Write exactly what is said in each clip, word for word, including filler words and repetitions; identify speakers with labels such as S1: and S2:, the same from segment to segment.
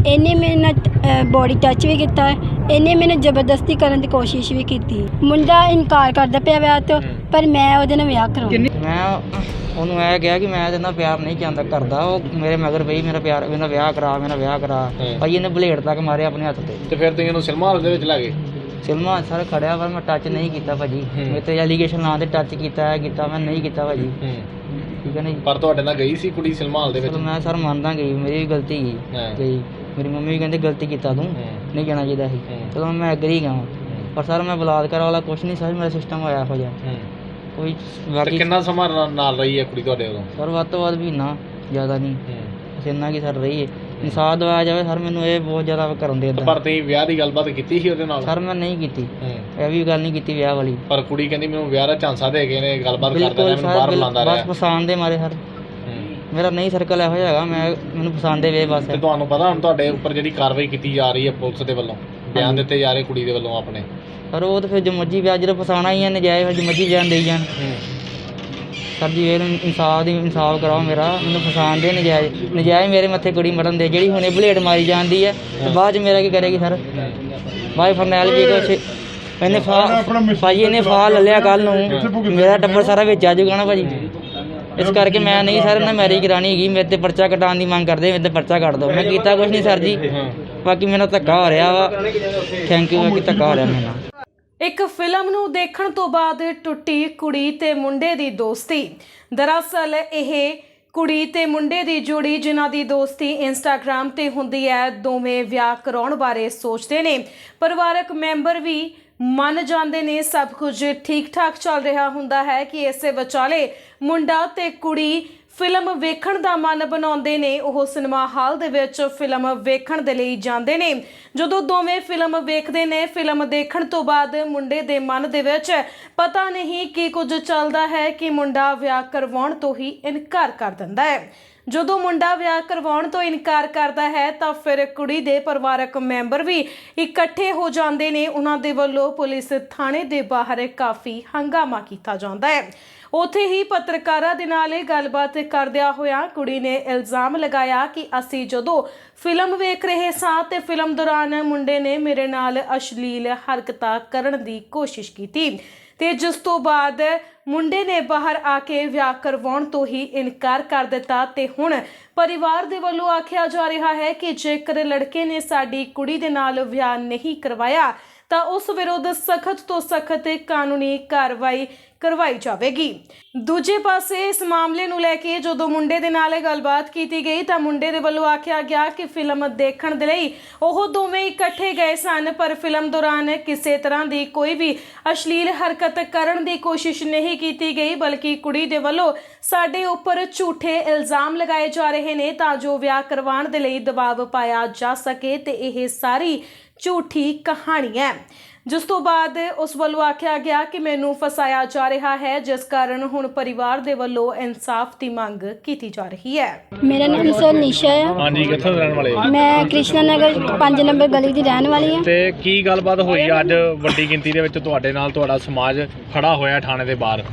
S1: ਇਹਨੇ ਮੇਰੇ ਨਾਲ ਬੋਡੀ ਟੱਚ ਵੀ ਕੀਤਾ, ਇਹਨੇ ਮੈਨੂੰ ਜ਼ਬਰਦਸਤੀ ਕਰਨ ਦੀ ਕੋਸ਼ਿਸ਼ ਵੀ ਕੀਤੀ। ਮੁੰਡਾ ਇਨਕਾਰ ਕਰਦਾ ਪਿਆ ਵਿਆਹ ਤੋਂ, ਪਰ ਮੈਂ ਉਹਦੇ ਨਾਲ ਵਿਆਹ ਕਰਾਉਣਾ।
S2: ਮੈਂ ਉਹਨੂੰ ਇਹ ਕਿਹਾ ਕਿ ਮੈਂ ਇਹਦੇ ਨਾਲ ਪਿਆਰ ਨਹੀਂ ਚਾਹੁੰਦਾ ਕਰਦਾ। ਉਹ ਮੇਰੇ ਮਗਰ ਪਈ ਮੇਰਾ ਪਿਆਰ, ਮੇਰਾ ਵਿਆਹ ਕਰਾ, ਮੇਰਾ ਵਿਆਹ ਕਰਾ। ਭਾਈ ਇਹਨੇ ਬਲੇਡ ਤੱਕ ਮਾਰੇ ਆਪਣੇ ਹੱਥ ਤੇ।
S3: ਤੇ ਫਿਰ ਤੁਸੀਂ ਇਹਨੂੰ ਸਿਨੇਮਾ ਹਾਲ ਦੇ ਵਿੱਚ ਲੈ ਗਏ?
S2: ਸਿਨੇਮਾ ਸਰ ਖੜਿਆ, ਪਰ ਮੈਂ ਟੱਚ ਨਹੀਂ ਕੀਤਾ ਭਾਜੀ। ਮੇਰੇ ਤੇ ਐਲੀਗੇਸ਼ਨ ਨਾਂ ਤੇ ਟੱਚ ਕੀਤਾ ਹੈ ਕੀਤਾ ਮੈਂ ਨਹੀਂ ਕੀਤਾ ਭਾਜੀ, ਠੀਕ ਹੈ ਨਾ ਜੀ।
S3: ਪਰ ਤੁਹਾਡੇ ਨਾਲ ਗਈ ਸੀ ਕੁੜੀ ਸਿਨੇਮਾ ਹਾਲ ਦੇ ਵਿੱਚ?
S2: ਮੈਂ ਸਰ ਮੰਨਦਾ ਗਈ, ਮੇਰੀ ਵੀ ਗਲਤੀ ਗਈ ਗਈ ਮੇਰੀ ਮੰਮੀ ਵੀ ਕਹਿੰਦੇ ਗਲਤੀ ਕੀਤਾ ਤੂੰ, ਨਹੀਂ ਜਾਣਾ ਚਾਹੀਦਾ ਸੀ। ਚਲੋ ਮੈਂ ਐਗਰੀ ਗਿਆ, ਪਰ ਸਰ ਮੈਂ ਬਲਾਤਕਾਰ ਵਾਲਾ ਕੁਛ ਨਹੀਂ ਸਰ, ਮੇਰਾ ਸਿਸਟਮ ਹੋਇਆ ਇਹੋ ਜਿਹਾ ਕੋਈ। ਬਾਕੀ
S3: ਕਿੰਨਾ ਸਮਾਂ ਨਾਲ ਰਹੀ ਹੈ ਕੁੜੀ ਤੁਹਾਡੇ ਉਦੋਂ?
S2: ਸਰ ਵੱਧ ਤੋਂ ਵੱਧ ਮਹੀਨਾ, ਜ਼ਿਆਦਾ ਨਹੀਂ, ਬਸ ਇੰਨਾ ਕੀ ਸਰ ਰਹੀ ਹੈ। ਇਨਸਾਫ ਦਿਵਾਇਆ ਜਾਵੇ ਸਰ, ਮੈਨੂੰ ਇਹ ਬਹੁਤ ਜ਼ਿਆਦਾ ਕਰਨ ਦੇ।
S3: ਪਰ ਤੁਸੀਂ ਵਿਆਹ ਦੀ ਗੱਲਬਾਤ ਕੀਤੀ ਸੀ ਉਹਦੇ ਨਾਲ?
S2: ਸਰ ਮੈਂ ਨਹੀਂ ਕੀਤੀ, ਇਹ ਵੀ ਗੱਲ ਨਹੀਂ ਕੀਤੀ ਵਿਆਹ ਵਾਲੀ।
S3: ਪਰ ਕੁੜੀ ਕਹਿੰਦੀ ਮੈਨੂੰ ਵਿਆਹ ਦਾ ਝਾਂਸਾ ਦੇ ਗਏ ਨੇ, ਗੱਲਬਾਤ ਕਰਦਾ ਰਿਹਾ, ਮੈਨੂੰ ਬਾਹਰ ਬੁਲਾਉਂਦਾ ਰਿਹਾ।
S2: ਬਸ ਪਸੰਦ ਦੇ ਮਾਰੇ ਸਰ, ਮੇਰਾ ਨਹੀਂ ਸਰਕਲ ਇਹੋ ਜਿਹਾ ਹੈਗਾ, ਮੈਂ ਮੈਨੂੰ ਪਸੰਦ ਦੇ ਵੇ ਬਸ।
S3: ਤੇ ਤੁਹਾਨੂੰ ਪਤਾ ਹੁਣ ਤੁਹਾਡੇ ਉੱਪਰ ਜਿਹੜੀ ਕਾਰਵਾਈ ਕੀਤੀ ਜਾ ਰਹੀ ਹੈ ਪੁਲਿਸ ਦੇ ਵੱਲੋਂ, ਬਿਆਨ ਦਿੱਤੇ ਜਾ ਰਹੇ ਕੁੜੀ ਦੇ ਵੱਲੋਂ ਆਪਣੇ?
S2: ਸਰ ਉਹ ਤਾਂ ਫਿਰ ਜੋ ਮਰਜ਼ੀ ਵਿਆਹ ਜਦੋਂ ਫਸਾਉਣਾ ਹੀ ਹੈ ਨਜਾਇਜ਼, ਫਿਰ ਜੋ ਮਰਜ਼ੀ ਬਿਆਨ ਦੇਈ ਜਾਣ। ਸਰ ਜੀ ਇਹ ਇਨਸਾਫ ਦੀ ਇਨਸਾਫ ਕਰਾਓ ਮੇਰਾ, ਮੈਨੂੰ ਫਸਾਉਣ ਦੇ ਨਜਾਇਜ਼ ਨਜਾਇਜ਼ ਮੇਰੇ ਮੱਥੇ ਕੁੜੀ ਮਰਨ ਦੇ। ਜਿਹੜੀ ਹੁਣੇ ਬਲੇਡ ਮਾਰੀ ਜਾਂਦੀ ਹੈ ਤੇ ਬਾਅਦ 'ਚ ਮੇਰਾ ਕੀ ਕਰੇਗੀ ਸਰ? ਬਾਈ ਫਰਨੈਲ ਜੀ ਕੁਛ ਇਹਨੇ ਫਾ ਭਾਜੀ ਇਹਨੇ ਫਾਹ ਲੈ ਲਿਆ ਕੱਲ੍ਹ ਨੂੰ, ਮੇਰਾ ਟੱਬਰ ਸਾਰਾ ਵਿੱਚ ਆ ਜਾਊਗਾ ਨਾ ਭਾਜੀ। ਇਸ ਕਰਕੇ ਮੈਂ ਨਹੀਂ ਸਰ ਨਾ ਮੈਰਿਜ ਕਰਾਉਣੀ ਹੈਗੀ। ਮੇਰੇ ਤੇ ਪਰਚਾ ਕਟਾਉਣ ਦੀ ਮੰਗ ਕਰਦੇ, ਮੇਰੇ ਤੇ ਪਰਚਾ ਕੱਟ ਦਿਓ। ਮੈਂ ਕੀਤਾ ਕੁਛ ਨਹੀਂ ਸਰ ਜੀ, ਬਾਕੀ ਮੈਨੂੰ ਧੱਕਾ ਹੋ ਰਿਹਾ ਵਾ। ਥੈਂਕ ਯੂ, ਬਾਕੀ ਧੱਕਾ ਹੋ ਰਿਹਾ ਮੈਨੂੰ।
S4: ਇੱਕ ਫਿਲਮ ਨੂੰ ਦੇਖਣ ਤੋਂ ਬਾਅਦ ਟੁੱਟੀ ਕੁੜੀ ਤੇ ਮੁੰਡੇ ਦੀ ਦੋਸਤੀ। ਦਰਅਸਲ ਇਹ ਕੁੜੀ ਤੇ ਮੁੰਡੇ ਦੀ ਜੋੜੀ ਜਿਨ੍ਹਾਂ ਦੀ ਦੋਸਤੀ ਇੰਸਟਾਗ੍ਰਾਮ ਤੇ ਹੁੰਦੀ ਹੈ, ਦੋਵੇਂ ਵਿਆਹ ਕਰਾਉਣ ਬਾਰੇ ਸੋਚਦੇ ਨੇ। ਪਰਿਵਾਰਕ ਮੈਂਬਰ ਵੀ ਮੰਨ ਜਾਂਦੇ ਨੇ, ਸਭ ਕੁਝ ਠੀਕ ਠਾਕ ਚੱਲ ਰਿਹਾ ਹੁੰਦਾ ਹੈ ਕਿ ਇਸੇ ਵਿਚਾਲੇ ਮੁੰਡਾ ਤੇ ਕੁੜੀ ਫਿਲਮ ਵੇਖਣ ਦਾ ਮਨ ਬਣਾਉਂਦੇ ਨੇ। ਉਹ ਸਿਨੇਮਾ ਹਾਲ ਦੇ ਵਿੱਚ ਫਿਲਮ ਵੇਖਣ ਦੇ ਲਈ ਜਾਂਦੇ ਨੇ। ਜਦੋਂ ਦੋਵੇਂ ਫਿਲਮ ਵੇਖਦੇ ਨੇ, ਫਿਲਮ ਦੇਖਣ ਤੋਂ ਬਾਅਦ ਮੁੰਡੇ ਦੇ ਮਨ ਦੇ ਵਿੱਚ ਪਤਾ ਨਹੀਂ ਕੀ ਕੁਝ ਚੱਲਦਾ ਹੈ ਕਿ ਮੁੰਡਾ ਵਿਆਹ ਕਰਵਾਉਣ ਤੋਂ ਹੀ ਇਨਕਾਰ ਕਰ ਦਿੰਦਾ ਹੈ। ਜਦੋਂ ਮੁੰਡਾ ਵਿਆਹ ਕਰਵਾਉਣ ਤੋਂ ਇਨਕਾਰ ਕਰਦਾ ਹੈ ਤਾਂ ਫਿਰ ਕੁੜੀ ਦੇ ਪਰਿਵਾਰਕ ਮੈਂਬਰ ਵੀ ਇਕੱਠੇ ਹੋ ਜਾਂਦੇ ਨੇ। ਉਹਨਾਂ ਦੇ ਵੱਲੋਂ ਪੁਲਿਸ ਥਾਣੇ ਦੇ ਬਾਹਰ ਕਾਫੀ ਹੰਗਾਮਾ ਕੀਤਾ ਜਾਂਦਾ ਹੈ। ਉੱਥੇ ਹੀ ਪੱਤਰਕਾਰਾਂ ਦੇ ਨਾਲ ਇਹ ਗੱਲਬਾਤ ਕਰਦਿਆਂ ਹੋਇਆਂ ਕੁੜੀ ਨੇ ਇਲਜ਼ਾਮ ਲਗਾਇਆ ਕਿ ਅਸੀਂ ਜਦੋਂ ਫਿਲਮ ਵੇਖ ਰਹੇ ਸਾਂ ਤੇ ਫਿਲਮ ਦੌਰਾਨ ਮੁੰਡੇ ਨੇ ਮੇਰੇ ਨਾਲ ਅਸ਼ਲੀਲ ਹਰਕਤਾਂ ਕਰਨ ਦੀ ਕੋਸ਼ਿਸ਼ ਕੀਤੀ ਤੇ ਜਿਸ ਤੋਂ ਬਾਅਦ ਮੁੰਡੇ ਨੇ ਬਾਹਰ ਆ ਕੇ ਵਿਆਹ ਕਰਵਾਉਣ ਤੋਂ ਹੀ ਇਨਕਾਰ ਕਰ ਦਿੱਤਾ। ਤੇ ਹੁਣ ਪਰਿਵਾਰ ਦੇ ਵੱਲੋਂ ਆਖਿਆ ਜਾ ਰਿਹਾ ਹੈ ਕਿ ਜੇਕਰ ਲੜਕੇ ਨੇ ਸਾਡੀ ਕੁੜੀ ਦੇ ਨਾਲ ਵਿਆਹ ਨਹੀਂ ਕਰਵਾਇਆ ਤਾਂ ਉਸ ਵਿਰੁੱਧ ਸਖਤ ਤੋਂ ਸਖਤ ਕਾਨੂੰਨੀ ਕਾਰਵਾਈ ਕਰਵਾਈ ਜਾਵੇਗੀ। ਦੂਜੇ ਪਾਸੇ ਇਸ ਮਾਮਲੇ ਨੂੰ ਲੈ ਕੇ ਜਦੋਂ ਮੁੰਡੇ ਦੇ ਨਾਲ ਗੱਲਬਾਤ ਕੀਤੀ ਗਈ ਤਾਂ ਮੁੰਡੇ ਦੇ ਵੱਲੋਂ ਆਖਿਆ ਗਿਆ ਕਿ ਫਿਲਮ ਦੇਖਣ ਦੇ ਲਈ ਉਹ ਦੋਵੇਂ ਇਕੱਠੇ ਗਏ ਸਨ, ਪਰ ਫਿਲਮ ਦੌਰਾਨ ਕਿਸੇ ਤਰ੍ਹਾਂ ਦੀ ਕੋਈ ਵੀ ਅਸ਼ਲੀਲ ਹਰਕਤ ਕਰਨ ਦੀ ਕੋਸ਼ਿਸ਼ ਨਹੀਂ ਕੀਤੀ ਗਈ, ਬਲਕਿ ਕੁੜੀ ਦੇ ਵੱਲੋਂ ਸਾਡੇ ਉੱਪਰ ਝੂਠੇ ਇਲਜ਼ਾਮ ਲਗਾਏ ਜਾ ਰਹੇ ਨੇ ਤਾਂ ਜੋ ਵਿਆਹ ਕਰਵਾਉਣ ਦੇ ਲਈ ਦਬਾਅ ਪਾਇਆ ਜਾ ਸਕੇ ਤੇ ਇਹ ਸਾਰੀ ਝੂਠੀ ਕਹਾਣੀ ਹੈ। ਜਿਸ ਤੋਂ ਬਾਅਦ ਉਸ ਵੱਲੋਂ ਆਖਿਆ ਗਿਆ ਕਿ ਮੈਨੂੰ ਫਸਾਇਆ ਜਾ ਰਿਹਾ ਹੈ, ਜਿਸ ਕਾਰਨ ਹੁਣ ਪਰਿਵਾਰ ਦੇ ਵੱਲੋਂ ਇਨਸਾਫ ਦੀ ਮੰਗ ਕੀਤੀ ਜਾ ਰਹੀ ਹੈ।
S1: ਮੇਰਾ ਨਾਮ ਸਰ ਨਿਸ਼ਾ ਹੈ।
S3: ਹਾਂਜੀ, ਕਿੱਥੋਂ ਦੇ ਰਹਿਣ ਵਾਲੇ?
S1: ਮੈਂ ਕ੍ਰਿਸ਼ਨਾ ਨਗਰ ਪੰਜ ਨੰਬਰ ਗਲੀ ਦੀ ਰਹਿਣ ਵਾਲੀ ਹਾਂ।
S3: ਤੇ ਕੀ ਗੱਲਬਾਤ ਹੋਈ ਅੱਜ ਵੱਡੀ ਗਿਣਤੀ ਦੇ ਵਿੱਚ ਤੁਹਾਡੇ ਨਾਲ ਤੁਹਾਡਾ ਸਮਾਜ ਖੜਾ ਹੋਇਆ ਥਾਣੇ ਦੇ ਬਾਹਰ?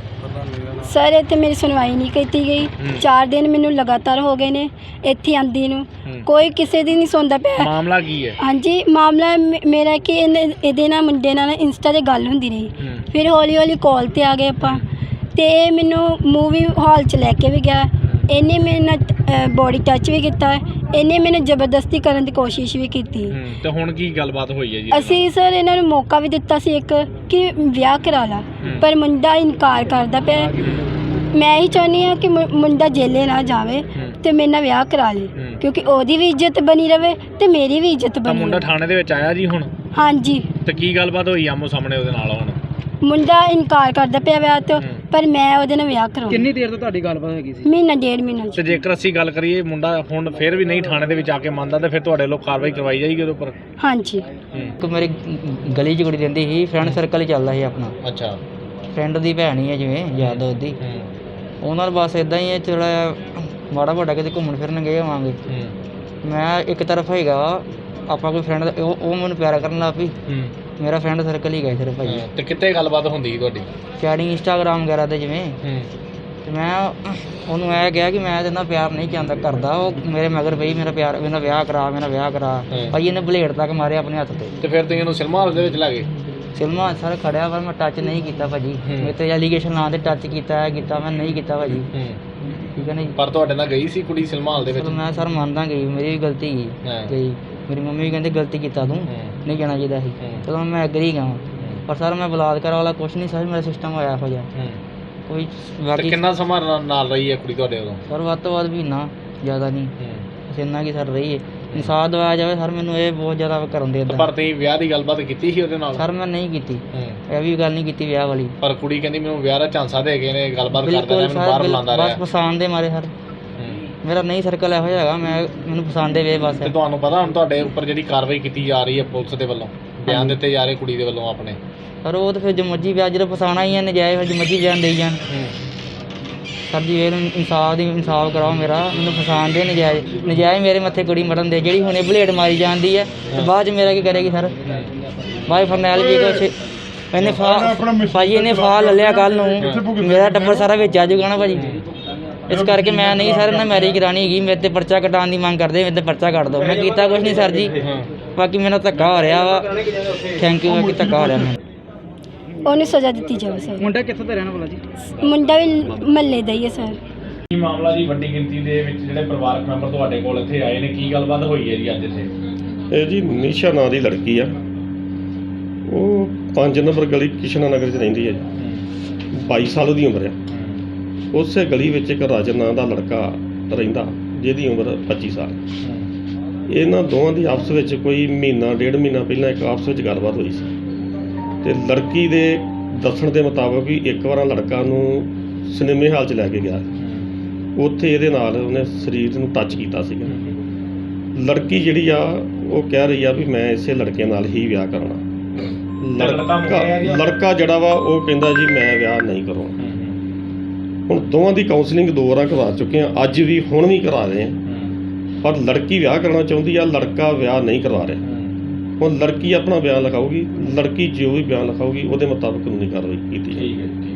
S1: ਸਰ ਇੱਥੇ ਮੇਰੀ ਸੁਣਵਾਈ ਨਹੀਂ ਕੀਤੀ ਗਈ। ਚਾਰ ਦਿਨ ਮੈਨੂੰ ਲਗਾਤਾਰ ਹੋ ਗਏ ਨੇ ਇੱਥੇ ਆਂਦੀ ਨੂੰ, ਕੋਈ ਕਿਸੇ ਦੀ ਨਹੀਂ ਸੁਣਦਾ ਪਿਆ।
S3: ਮਾਮਲਾ ਕੀ ਹੈ?
S1: ਹਾਂਜੀ, ਮਾਮਲਾ ਮੇਰਾ ਕਿ ਇਹਦੇ ਨਾਲ ਮੁੰਡੇ ਨਾਲ ਇੰਸਟਾ 'ਤੇ ਗੱਲ ਹੁੰਦੀ ਰਹੀ, ਫਿਰ ਹੌਲੀ ਹੌਲੀ ਕਾਲ 'ਤੇ ਆ ਗਏ ਆਪਾਂ ਤੇ ਇਹ ਮੈਨੂੰ ਮੂਵੀ ਹਾਲ 'ਚ ਲੈ ਕੇ ਵੀ ਗਿਆ। ਇਹਨੇ ਮੇਰੇ ਨਾਲ ਬੋਡੀ ਟੱਚ ਵੀ ਕੀਤਾ, ਇਹਨੇ ਮੈਨੂੰ ਜ਼ਬਰਦਸਤੀ ਕਰਨ ਦੀ ਕੋਸ਼ਿਸ਼ ਵੀ ਕੀਤੀ।
S3: ਤੇ ਹੁਣ ਕੀ ਗੱਲਬਾਤ ਹੋਈ ਹੈ ਜੀ?
S1: ਅਸੀਂ ਸਰ ਇਹਨਾਂ ਨੂੰ ਮੌਕਾ ਵੀ ਦਿੱਤਾ ਸੀ ਇੱਕ ਕਿ ਵਿਆਹ ਕਰਾ ਲਾ, ਪਰ ਮੁੰਡਾ ਇਨਕਾਰ ਕਰਦਾ ਪਿਆ। ਮੈਂ ਹੀ ਚਾਹੁੰਦੀ ਹਾਂ ਕਿ ਮੁੰਡਾ ਜੇਲੇ ਨਾ ਜਾਵੇ ਤੇ ਮੇਰੇ ਨਾਲ ਵਿਆਹ ਕਰਾ ਲੇ, ਕਿਉਂਕਿ ਉਹਦੀ ਵੀ ਇੱਜ਼ਤ ਬਣੀ ਰਵੇ ਤੇ ਮੇਰੀ ਵੀ ਇੱਜ਼ਤ ਬਣੀ।
S3: ਮੁੰਡਾ ਥਾਣੇ ਦੇ ਵਿੱਚ ਆਇਆ ਜੀ ਹੁਣ?
S1: ਹਾਂਜੀ।
S3: ਤੇ ਕੀ ਗੱਲਬਾਤ ਹੋਈ ਆਮੋ ਸਾਹਮਣੇ ਉਹਦੇ ਨਾਲ? ਹੁਣ
S1: ਮੁੰਡਾ ਇਨਕਾਰ ਕਰਦਾ ਪਿਆ ਵਿਆਹ ਤੋਂ, ਪਰ ਮੈਂ ਉਹਦੇ ਨਾਲ ਵਿਆਹ ਕਰਾਉਣਾ।
S2: ਕਿੰਨੀ ਦੇਰ ਤੋਂ ਤੁਹਾਡੀ ਗੱਲਬਾਤ ਹੈਗੀ ਸੀ?
S1: ਮਹੀਨਾ ਡੇਢ ਮਹੀਨਾ।
S3: ਤੇ ਜੇਕਰ ਅਸੀਂ ਗੱਲ ਕਰੀਏ ਮੁੰਡਾ ਹੁਣ ਫਿਰ ਵੀ ਨਹੀਂ ਥਾਣੇ ਦੇ ਵਿੱਚ ਆ ਕੇ ਮੰਨਦਾ ਤੇ ਫਿਰ ਤੁਹਾਡੇ ਲੋਕ ਕਾਰਵਾਈ ਕਰਵਾਈ ਜਾਏਗੀ ਉਹਦੇ ਉੱਪਰ?
S1: ਹਾਂਜੀ।
S2: ਇੱਕ ਮੇਰੀ ਗਲੀ 'ਚ ਕੁੜੀ ਰਹਿੰਦੀ ਸੀ, ਫਰੈਂਡ ਸਰਕਲ ਹੀ ਚੱਲਦਾ ਸੀ ਆਪਣਾ।
S3: ਅੱਛਾ।
S2: ਫਰੈਂਡ ਦੀ ਭੈਣ ਹੀ ਹੈ ਜਿਵੇਂ ਯਾਦ ਉਹਦੀ, ਉਹਨਾਂ ਨਾਲ ਬਸ ਇੱਦਾਂ ਹੀ ਹੈ। ਥੋੜ੍ਹਾ ਮਾੜਾ ਮੋਟਾ ਕਿਤੇ ਘੁੰਮਣ ਫਿਰਨ ਗਏ ਹੋਵਾਂਗੇ। ਮੈਂ ਇੱਕ ਤਰਫ ਹੈਗਾ ਆਪਾਂ ਕੋਈ ਫਰੈਂਡ ਉਹ ਉਹ ਮੈਨੂੰ ਪਿਆਰ ਕਰਨ ਲੱਗ ਪਈ, ਮੇਰਾ ਫਰੈਂਡ ਸਰਕਲ ਹੀ ਗਏ ਸਿਰਫ ਭਾਈ।
S3: ਤੇ ਕਿੱਥੇ ਗੱਲਬਾਤ ਹੁੰਦੀ ਸੀ ਤੁਹਾਡੀ?
S2: ਚੈਟਿੰਗ ਇੰਸਟਾਗ੍ਰਾਮ ਵਗੈਰਾ 'ਤੇ ਜਿਵੇਂ। ਤੇ ਮੈਂ ਉਹਨੂੰ ਇਹ ਕਿਹਾ ਕਿ ਮੈਂ ਇਹਦੇ ਨਾਲ ਪਿਆਰ ਨਹੀਂ ਚਾਹੁੰਦਾ ਕਰਦਾ। ਉਹ ਮੇਰੇ ਮਗਰ ਪਈ ਮੇਰਾ ਪਿਆਰ ਮੇਰਾ ਵਿਆਹ ਕਰਾ ਮੇਰਾ ਵਿਆਹ ਕਰਾ ਭਾਈ ਇਹਨੇ ਬਲੇਡ ਤੱਕ ਮਾਰਿਆ ਆਪਣੇ ਹੱਥ ਤੇ।
S3: ਤੇ ਫਿਰ ਤੁਸੀਂ ਇਹਨੂੰ ਸਿਨੇਮਾ ਹਾਲ ਦੇ ਵਿੱਚ ਲੈ ਗਏ?
S2: ਸਿਨੇਮਾ ਸਰ ਖੜਿਆ ਪਰ ਮੈਂ ਟੱਚ ਨਹੀਂ ਕੀਤਾ ਭਾਜੀ। ਮੇਰੇ ਤੇ ਐਲੀਗੇਸ਼ਨ ਨਾਂ ਤੇ ਟੱਚ ਕੀਤਾ ਕੀਤਾ ਮੈਂ ਨਹੀਂ ਕੀਤਾ ਭਾਜੀ। ਠੀਕ ਹੈ ਨਾ ਜੀ।
S3: ਪਰ ਤੁਹਾਡੇ ਨਾਲ ਗਈ ਸੀ ਕੁੜੀ ਸਿਨੇਮਾ ਹਾਲ ਦੇ ਵਿੱਚ?
S2: ਮੈਂ ਸਰ ਮੰਨਦਾ ਗਈ ਮੇਰੀ ਵੀ ਗਲਤੀ ਗਈ ਗਈ ਮੇਰੀ ਮੰਮੀ ਵੀ ਕਹਿੰਦੇ ਗਲਤੀ ਕੀਤਾ ਤੂੰ ਨਹੀਂ ਜਾਣਾ ਚਾਹੀਦਾ ਸੀ। ਚਲੋ ਮੈਂ ਐਗਰੀ ਗਾ ਪਰ ਸਰ ਮੈਂ ਬਲਾਤਕਾਰ ਵਾਲਾ ਕੁਛ ਨਹੀਂ ਸਰ ਮੇਰਾ ਸਿਸਟਮ ਹੋਇਆ ਇਹੋ ਜਿਹਾ ਕੋਈ। ਬਾਕੀ
S3: ਕਿੰਨਾ ਸਮਾਂ ਨਾਲ ਰਹੀ ਹੈ ਕੁੜੀ ਤੁਹਾਡੇ ਉਦੋਂ?
S2: ਸਰ ਵੱਧ ਤੋਂ ਵੱਧ ਮਹੀਨਾ, ਜ਼ਿਆਦਾ ਨਹੀਂ ਬਸ ਇੰਨਾ ਕੀ ਸਰ ਰਹੀ ਹੈ। ਇਨਸਾਫ ਦਿਵਾਇਆ ਜਾਵੇ ਸਰ ਮੈਨੂੰ ਇਹ ਬਹੁਤ ਜ਼ਿਆਦਾ ਕਰਨ ਦੇ ਦਿੰਦਾ।
S3: ਪਰ ਤੁਸੀਂ ਵਿਆਹ ਦੀ ਗੱਲਬਾਤ ਕੀਤੀ ਸੀ ਉਹਦੇ ਨਾਲ?
S2: ਸਰ ਮੈਂ ਨਹੀਂ ਕੀਤੀ, ਇਹ ਵੀ ਗੱਲ ਨਹੀਂ ਕੀਤੀ ਵਿਆਹ ਵਾਲੀ।
S3: ਪਰ ਕੁੜੀ ਕਹਿੰਦੀ ਮੈਨੂੰ ਵਿਆਹ ਦਾ ਝਾਂਸਾ ਦੇ ਕੇ ਨੇ ਗੱਲਬਾਤ ਕਰਦਾ ਰਿਹਾ, ਮੈਨੂੰ ਬਾਹਰ ਬੁਲਾਉਂਦਾ ਰਿਹਾ।
S2: ਬਸ ਪਸੰਦ ਦੇ ਮਾਰੇ ਸਰ ਮੇਰਾ ਨਹੀਂ ਸਰਕਲ ਇਹੋ ਜਿਹਾ ਹੈਗਾ, ਮੈਂ ਮੈਨੂੰ ਪਸੰਦ ਦੇ ਵੇ ਬਸ।
S3: ਤੇ ਤੁਹਾਨੂੰ ਪਤਾ ਹੁਣ ਤੁਹਾਡੇ ਉੱਪਰ ਜਿਹੜੀ ਕਾਰਵਾਈ ਕੀਤੀ ਜਾ ਰਹੀ ਹੈ ਪੁਲਿਸ ਦੇ ਵੱਲੋਂ, ਬਿਆਨ ਦਿੱਤੇ ਜਾ ਰਹੇ ਕੁੜੀ ਦੇ ਵੱਲੋਂ ਆਪਣੇ?
S2: ਸਰ ਉਹ ਤਾਂ ਫਿਰ ਜੋ ਮਰਜ਼ੀ ਵਿਆਹ ਜਦੋਂ ਫਸਾਉਣਾ ਹੀ ਹੈ ਨਜਾਇਜ਼, ਫਿਰ ਜੋ ਮਰਜ਼ੀ ਬਿਆਨ ਦੇਈ ਜਾਣ। ਸਰ ਜੀ ਇਹ ਇਨਸਾਫ ਦੀ ਇਨਸਾਫ ਕਰਾਓ ਮੇਰਾ, ਮੈਨੂੰ ਫਸਾਉਣ ਦੇ ਨਜਾਇਜ਼ ਨਜਾਇਜ਼ ਮੇਰੇ ਮੱਥੇ ਕੁੜੀ ਮਰਨ ਦੇ। ਜਿਹੜੀ ਹੁਣੇ ਬਲੇਡ ਮਾਰੀ ਜਾਂਦੀ ਹੈ ਤੇ ਬਾਅਦ 'ਚ ਮੇਰਾ ਕੀ ਕਰੇਗੀ ਸਰ? ਬਾਈ ਫਰਨੈਲ ਜੀ ਕੁਛ ਇਹਨੇ ਫਾ ਭਾਜੀ ਇਹਨੇ ਫਾ ਲੈ ਲਿਆ ਕੱਲ੍ਹ ਨੂੰ, ਮੇਰਾ ਟੱਬਰ ਸਾਰਾ ਵਿੱਚ ਆ ਜਾਊਗਾ ਨਾ ਭਾਜੀ। ਇਸ ਕਰਕੇ ਮੈਂ ਨਹੀਂ ਸਰ ਇਹਨਾਂ ਮੈਰਿਜ ਕਰਾਉਣੀ ਹੈਗੀ। ਮੇਰੇ 'ਤੇ ਪਰਚਾ ਕਟਾਉਣ ਦੀ ਮੰਗ ਕਰਦੇ, ਮੇਰੇ 'ਤੇ ਪਰਚਾ ਕੱਟ ਦਿਓ। ਮੈਂ ਕੀਤਾ ਕੁਛ ਨਹੀਂ ਸਰ ਜੀ, ਬਾਕੀ ਮੇਰਾ ਧੱਕਾ ਹੋ ਰਿਹਾ ਵਾ। Thank you. ਬਾਕੀ ਧੱਕਾ ਹੋ ਰਿਹਾ ਮੈਨੂੰ।
S1: ਉਹਨੂੰ ਸਜ਼ਾ ਦਿੱਤੀ ਜਾਵੇ ਸਰ।
S2: ਮੁੰਡਾ ਕਿੱਥੋਂ ਦਾ ਰਹਿਣ ਵਾਲਾ ਜੀ?
S1: ਮੁੰਡਾ ਵੀ ਮਹੱਲੇ ਦਾ ਹੀ ਹੈ ਸਰ।
S3: ਕੀ ਮਾਮਲਾ ਜੀ? ਵੱਡੀ ਗਿਣਤੀ ਦੇ ਵਿੱਚ ਜਿਹੜੇ ਪਰਿਵਾਰਕ ਮੈਂਬਰ ਤੁਹਾਡੇ ਕੋਲ ਇੱਥੇ ਆਏ ਨੇ, ਕੀ ਗੱਲਬਾਤ ਹੋਈ ਹੈ ਜੀ ਅੱਜ ਇੱਥੇ?
S5: ਇਹ ਜੀ ਨਿਸ਼ਾ ਨਾਂ ਦੀ ਲੜਕੀ ਆ, ਉਹ ਪੰਜ ਨੰਬਰ ਗਲੀ ਕਿਸ਼ਨਾ ਨਗਰ 'ਚ ਰਹਿੰਦੀ ਹੈ ਜੀ। ਬਾਈ ਸਾਲ ਉਹਦੀ ਉਮਰ ਆ। ਉਸੇ ਗਲੀ ਵਿੱਚ ਇੱਕ ਰਾਜਨ ਨਾਂ ਦਾ ਲੜਕਾ ਰਹਿੰਦਾ ਜਿਹਦੀ ਉਮਰ ਪੱਚੀ ਸਾਲ। ਇਹਨਾਂ ਦੋਵਾਂ ਦੀ ਆਪਸ ਵਿੱਚ ਕੋਈ ਮਹੀਨਾ ਡੇਢ ਮਹੀਨਾ ਪਹਿਲਾਂ ਇੱਕ ਆਪਸ ਵਿੱਚ ਗੱਲਬਾਤ ਹੋਈ ਸੀ ਤੇ ਲੜਕੀ ਦੇ ਦੱਸਣ ਦੇ ਮੁਤਾਬਕ ਵੀ ਇੱਕ ਵਾਰ ਲੜਕਾ ਨੂੰ ਸਿਨੇਮੇ ਹਾਲ 'ਚ ਲੈ ਕੇ ਗਿਆ, ਉੱਥੇ ਇਹਦੇ ਨਾਲ ਉਹਨੇ ਸਰੀਰ ਨੂੰ ਟੱਚ ਕੀਤਾ ਸੀਗਾ। ਲੜਕੀ ਜਿਹੜੀ ਆ ਉਹ ਕਹਿ ਰਹੀ ਆ ਵੀ ਮੈਂ ਇਸੇ ਲੜਕੇ ਨਾਲ ਹੀ ਵਿਆਹ ਕਰਨਾ। ਲੜਕਾ ਲੜਕਾ ਜਿਹੜਾ ਵਾ ਉਹ ਕਹਿੰਦਾ ਜੀ ਮੈਂ ਵਿਆਹ ਨਹੀਂ ਕਰਾਉਣਾ। ਹੁਣ ਦੋਵਾਂ ਦੀ ਕਾਉਂਸਲਿੰਗ ਦੋ ਵਾਰਾਂ ਕਰਵਾ ਚੁੱਕੇ ਆ, ਅੱਜ ਵੀ ਹੁਣ ਵੀ ਕਰਾ ਰਹੇ ਆ, ਪਰ ਲੜਕੀ ਵਿਆਹ ਕਰਨਾ ਚਾਹੁੰਦੀ ਆ, ਲੜਕਾ ਵਿਆਹ ਨਹੀਂ ਕਰਵਾ ਰਿਹਾ। ਹੁਣ ਲੜਕੀ ਆਪਣਾ ਬਿਆਨ ਲਿਖਾਊਗੀ, ਲੜਕੀ ਜੋ ਵੀ ਬਿਆਨ ਲਿਖਾਊਗੀ ਉਹਦੇ ਮੁਤਾਬਕ ਕਾਨੂੰਨੀ ਕਾਰਵਾਈ ਕੀਤੀ ਜਾਏਗੀ।